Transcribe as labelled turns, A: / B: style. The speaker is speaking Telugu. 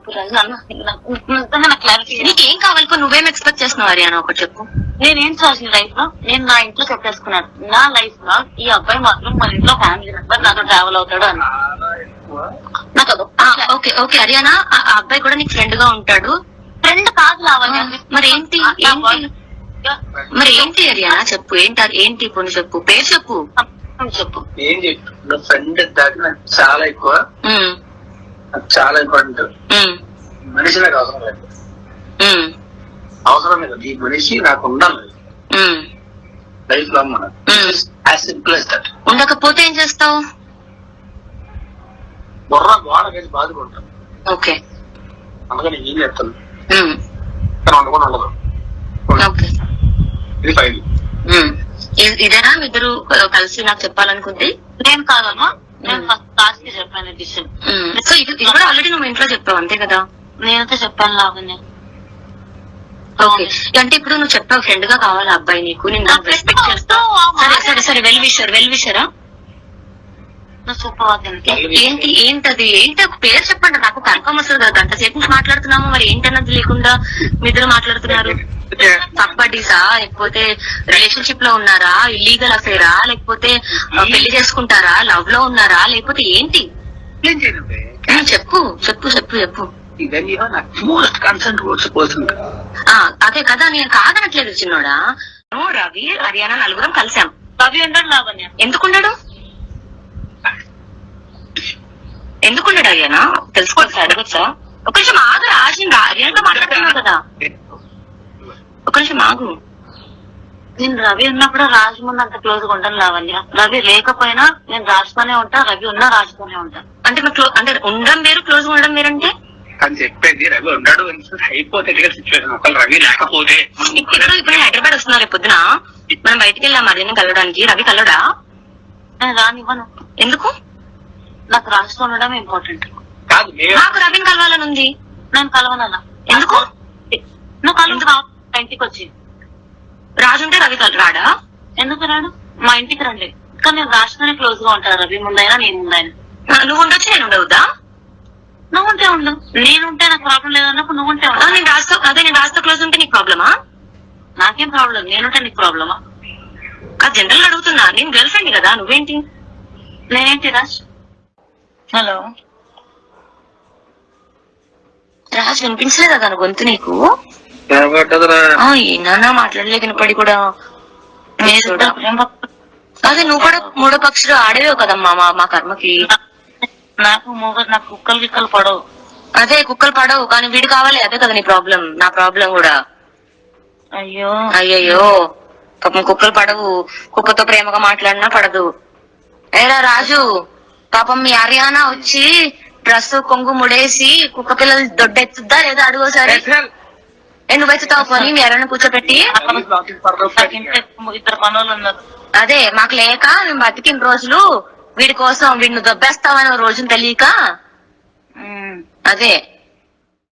A: నీకేం కావాలి? నువ్వేం ఎక్స్పెక్ట్ చేస్తున్నావు హరియానా? ఒకటి చెప్పు.
B: నేనేం చేసిన లైఫ్ లో నేను నా ఇంట్లో చెప్పేసుకున్నాను. నా లైఫ్ లో ఈ అబ్బాయి మాత్రం మన ఇంట్లో ఫ్యామిలీ మెంబర్ నాతో ట్రావెల్ అవుతాడు అని. నాకు
A: ఓకే ఓకే హరియానా, ఆ అబ్బాయి కూడా నీకు ఫ్రెండ్ గా ఉంటాడు.
B: ఫ్రెండ్ కాదు లావణ్య.
A: మరి ఏంటి మరి ఏంటి హరియానా? చెప్పు ఏంటి ఇప్పుడు చెప్పు, పేరు చెప్పు.
B: చెప్పు
C: ఏం చెప్పు. ఫ్రెండ్ దాకా నాకు చాలా ఎక్కువ, నాకు చాలా ఇంపార్టెంట్. మనిషి నాకు అవసరం లేదు, అవసరం లేదు. ఈ మనిషి నాకు ఉండాలి లైఫ్ లో. మనం
A: ఉండకపోతే ఏం చేస్తావు?
C: బుర్ర గోడ వేసి బాధపడతాను.
A: ఓకే,
C: అందుకని ఏం చేస్తాను ఉండకుండా ఉండదు. ఇది ఫైల్.
A: ఇదేనా ఇద్దరు కలిసి నాకు చెప్పాలనుకుంది?
B: నేను కాదమ్మా, నేను ఫస్ట్ క్లాస్ కి చెప్పాను డిసిషన్.
A: సో ఇది కూడా ఆల్రెడీ నువ్వు ఇంట్లో చెప్పావు అంతే కదా?
B: నేనైతే చెప్పాను లావణ్య.
A: ఓకే, అంటే ఇప్పుడు నువ్వు చెప్పావు ఫ్రెండ్ గా కావాలి అబ్బాయి నీకు, నేను రెస్పెక్ట్ చేస్తా. సరే సరే వెల్ విషరా ఏంటి ఏంటది ఏంటి పేరు చెప్పండి నాకు కన్ఫర్మ్ వస్తుంది కదా. గంట సేపు నుంచి మాట్లాడుతున్నాము, మరి ఏంటన్నది లేకుండా మీ ఇద్దరు మాట్లాడుతున్నారు. కబడ్డీసా లేకపోతే రిలేషన్షిప్ లో ఉన్నారా, ఇల్లీగల్ అఫేరా, లేకపోతే పెళ్లి చేసుకుంటారా, లవ్ లో ఉన్నారా, లేకపోతే ఏంటి? చెప్పు చెప్పు చెప్పు చెప్పు. అదే కదా, నేను కాదనట్లేదు చిన్నోడా. రవి హరియానా నలుగురం కలిసాం.
B: రవి ఉండడు లావణ్య.
A: ఎందుకుండడు హరియానా? తెలుసుకోవచ్చా, అడగచ్చా? ఒక నిమిషం ఆగు రాజు, హరియానాతో మాట్లాడుతున్నావు కదా, ఒక నిమిషం ఆగు.
B: నేను రవి ఉన్నప్పుడు రాజు ముందు అంత క్లోజ్ గా ఉంటాను లావణ్య. రవి లేకపోయినా నేను రాజుతోనే ఉంటా, రవి ఉన్నా రాజుతోనే ఉంటా.
A: అంటే అంటే ఉండడం వేరు, క్లోజ్ గా ఉండడం వేరంటే
C: అని చెప్పేది. రవి ఉన్నాడు హైపోథెటికల్ సిచ్యువేషన్. ఒకళ్ళు రవి లేకపోతే
A: ఇప్పుడు హైదరాబాద్ వస్తున్నారు రేపు పొద్దున, మనం బయటికి వెళ్ళాం మధ్యాహ్నం కలవడానికి. రవి కలవడా?
B: నేను రానివ్వను.
A: ఎందుకు?
B: నాకు రాజుతో ఉండడం ఇంపార్టెంట్.
A: నాకు రవిని కలవాలని ఉంది.
B: నేను కలవనన్నా.
A: ఎందుకు?
B: నువ్వు కలువు ఇంటికి వచ్చి.
A: రాజు ఉంటే రవి రాడా?
B: ఎందుకు రాడు? మా ఇంటికి రండి. కానీ నేను రాజుతోనే క్లోజ్ గా ఉంటాను, రవి ముందైనా నేను ముందైనా.
A: నువ్వు ఉండొచ్చు, నేను ఉండవుదా?
B: నువ్వు ఉంటే ఉండు, నేనుంటే నాకు ప్రాబ్లం లేదన్నప్పుడు నువ్వు ఉంటే ఉండు.
A: నేను రాజుతో క్లోజ్ ఉంటే నీకు ప్రాబ్లమా?
B: నాకేం ప్రాబ్లం, నేనుంటే నీకు ప్రాబ్లమా?
A: అది జనరల్ గా అడుగుతున్నా, నేను గర్ల్ ఫ్రెండ్ కదా, నువ్వేంటి?
B: నేనేంటి రాజ్? హలో
A: రాజు వినిపించలేదా తన గొంతు నీకు?
C: ఏనా
A: మాట్లాడలే వినపడి కూడా. అదే నువ్వు కూడా మూడో పక్షులు ఆడేవే కదమ్మా మా కర్మకి.
B: నాకు కుక్కలు గిక్కలు పడవు.
A: అదే కుక్కలు పడవు, కానీ వీడు కావాలి. అదే కదా నీ ప్రాబ్లం, నా ప్రాబ్లం కూడా.
B: అయ్యో
A: అయ్యయ్యో, పాపం కుక్కలు పడవు. కుక్కతో ప్రేమగా మాట్లాడినా పడదు. ఏరా రాజు, పాపం మీ హరియానా వచ్చి డ్రెస్ కొంగు ముడేసి కుక్క పిల్లలు దొడ్డెత్తుద్దా లేదా అడుగోసారి. నువ్వు ఎత్తుతావు పోనీ మీ హరియానా కూర్చోబెట్టి.
B: ఇద్దరు పనులు ఉన్నారు.
A: అదే మాకు లేక మేము బతికిన రోజులు వీడి కోసం, వీడిని దొబ్బేస్తామని రోజును తెలియక. అదే